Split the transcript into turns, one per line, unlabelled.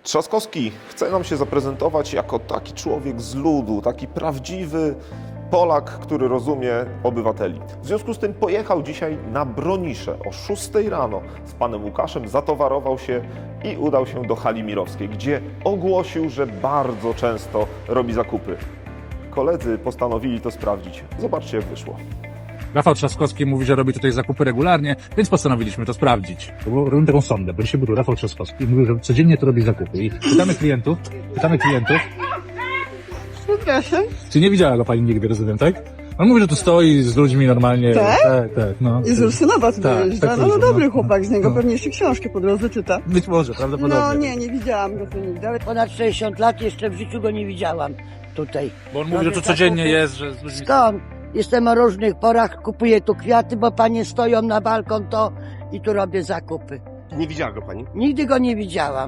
Trzaskowski chce nam się zaprezentować jako taki człowiek z ludu, taki prawdziwy Polak, który rozumie obywateli. W związku z tym pojechał dzisiaj na Bronisze o 6 rano z panem Łukaszem, zatowarował się i udał się do hali Mirowskiej, gdzie ogłosił, że bardzo często robi zakupy. Koledzy postanowili to sprawdzić. Zobaczcie, jak wyszło.
Rafał Trzaskowski mówi, że robi tutaj zakupy regularnie, więc postanowiliśmy to sprawdzić. Robimy taką sondę, bo dzisiaj był tu Rafał Trzaskowski i mówił, że codziennie to robi zakupy. I pytamy klientów.
Przepraszam.
Czy nie widziała go pani nigdy, rozumiem, tak? On mówi, że tu stoi z ludźmi normalnie.
Tak?
Tak, no.
I z Ursynowa tutaj
Tak,
jeżdża.
tak
No
różne,
dobry
no.
chłopak z niego,
No.
pewnie jeszcze książki po drodze czyta.
Być może, prawdopodobnie.
No nie widziałam go tu nigdy, ale
Ponad 60 lat, jeszcze w życiu go nie widziałam tutaj.
Bo on mówi, że tu codziennie jest, że z ludźmi...
Skąd? Jestem o różnych porach, kupuję tu kwiaty, bo panie stoją na balkon to i tu robię zakupy.
Nie widziała go pani?
Nigdy go nie widziałam.